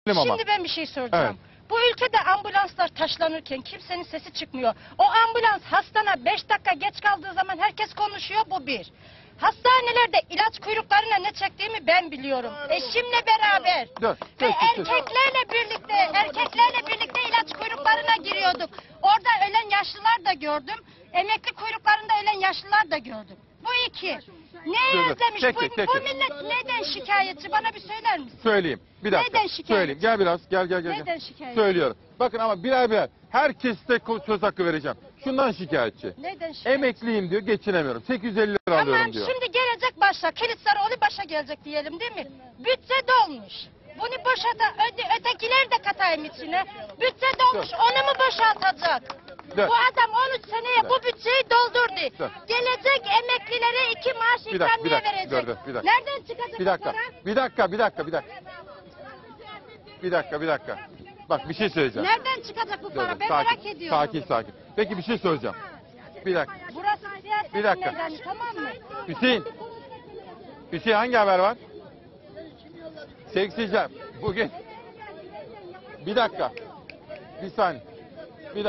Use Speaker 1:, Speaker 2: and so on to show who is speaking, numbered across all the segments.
Speaker 1: Ama.
Speaker 2: Şimdi ben bir şey soracağım.
Speaker 1: Evet.
Speaker 2: Bu ülkede ambulanslar taşlanırken kimsenin sesi çıkmıyor. O ambulans hastana 5 dakika geç kaldığı zaman herkes konuşuyor, bu bir. Hastanelerde ilaç kuyruklarına ne çektiğimi ben biliyorum. Eşimle beraber. Ve erkeklerle birlikte ilaç kuyruklarına giriyorduk. Orada ölen yaşlılar da gördüm. Emekli kuyruklarında ölen yaşlılar da gördüm. Bu iki. Ne özlemiş? Bu millet neden şikayetçi? Bana bir söyler misin?
Speaker 1: Söyleyeyim. Bir dakika.
Speaker 2: Neden şikayetçi?
Speaker 1: Söyleyeyim. Gel biraz. Gel.
Speaker 2: Neden şikayetçi?
Speaker 1: Söylüyorum. Bakın ama birer. Herkeste söz hakkı vereceğim. Şundan şikayetçi.
Speaker 2: Neden şikayetçi?
Speaker 1: Emekliyim diyor, geçinemiyorum. 850 lira alıyorum diyor.
Speaker 2: Şimdi gelecek başa. Kılıçdaroğlu başa gelecek diyelim değil mi? Bütçe dolmuş. Bunu ötekiler de katayım içine. Bütçe dolmuş. Onu mu boşaltacak? Bu adam 13 seneye bu bütçeyi doldurdu. Gelecek emeklilere 2 maaş ikramiye verecek. Nereden çıkacak
Speaker 1: Bir dakika. Bir dakika. Bak bir şey söyleyeceğim.
Speaker 2: Nereden çıkacak bu para? Ben merak ediyorum.
Speaker 1: Sakin. Peki bir şey söyleyeceğim. Bir dakika.
Speaker 2: Burası siyaset meydanı, tamam mı?
Speaker 1: Hüseyin hangi haber var? Seksicem. Bugün. Bir dakika. Bir saniye. Bir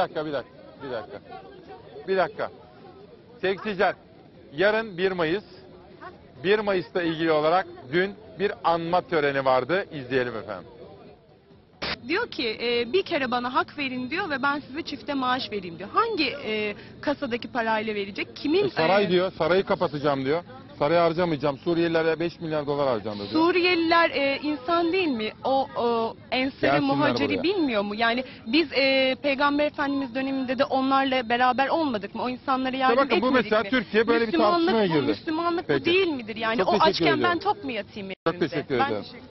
Speaker 1: dakika. Seksicem. Yarın 1 Mayıs. 1 Mayıs'ta ilgili olarak dün bir anma töreni vardı. İzleyelim efendim.
Speaker 3: Diyor ki bir kere bana hak verin diyor ve ben size çifte maaş vereyim diyor. Hangi kasadaki parayla verecek? Kimin?
Speaker 1: Saray diyor. Sarayı kapatacağım diyor. Sarayı harcamayacağım. Suriyelilere 5 milyar dolar harcayacağım diyor.
Speaker 3: Suriyeliler insan değil mi? O ensere muhaciri bilmiyor mu? Yani biz Peygamber Efendimiz döneminde de onlarla beraber olmadık mı? O insanlara yardım etmedik mi?
Speaker 1: Bu mesela Türkiye böyle bir tartışmaya girdi.
Speaker 3: Müslümanlık bu değil midir? Yani
Speaker 1: Çok
Speaker 3: o
Speaker 1: teşekkür
Speaker 3: açken
Speaker 1: ediyorum.
Speaker 3: ben tok mu yatayım?
Speaker 1: Çok teşekkür ederim.